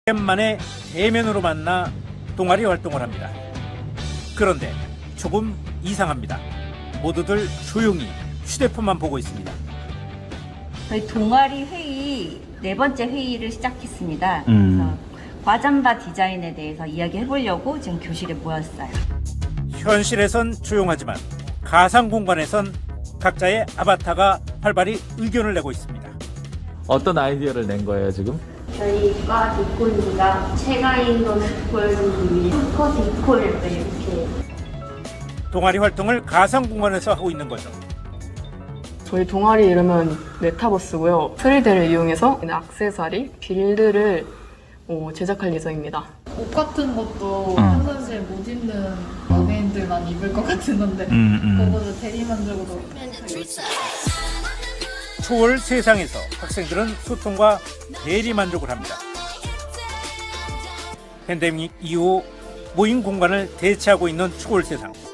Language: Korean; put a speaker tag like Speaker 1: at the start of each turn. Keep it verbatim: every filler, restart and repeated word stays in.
Speaker 1: 오랜만에 대면으로 만나 동아리 활동을 합니다. 그런데 조금 이상합니다. 모두들 조용히 휴대폰만 보고 있습니다.
Speaker 2: 저희 동아리 회의 네 번째 회의를 시작했습니다.
Speaker 3: 음.
Speaker 2: 그래서 과잠바 디자인에 대해서 이야기해 보려고 지금 교실에 모였어요.
Speaker 1: 현실에선 조용하지만 가상 공간에선 각자의 아바타가 활발히 의견을 내고 있습니다.
Speaker 3: 어떤 아이디어를 낸 거예요 지금?
Speaker 4: 저희과 디코님과 최가인도 디코님이 슈퍼 디코를 이렇게
Speaker 1: 동아리 활동을 가상 공간에서 하고 있는 거죠.
Speaker 5: 저희 동아리 이름은 메타버스고요. 쓰리디를 이용해서 액세서리, 빌드를 어, 제작할 예정입니다.
Speaker 6: 옷 같은 것도
Speaker 3: 응.
Speaker 6: 평상시에 못 입는 연예인들만 입을 것 같은 건데
Speaker 3: 음, 음.
Speaker 6: 그거를 대리만족으로
Speaker 1: 초월 세상에서 학생들은 소통과 대리 만족을 합니다. 팬데믹 이후 모임 공간을 대체하고 있는 초월 세상.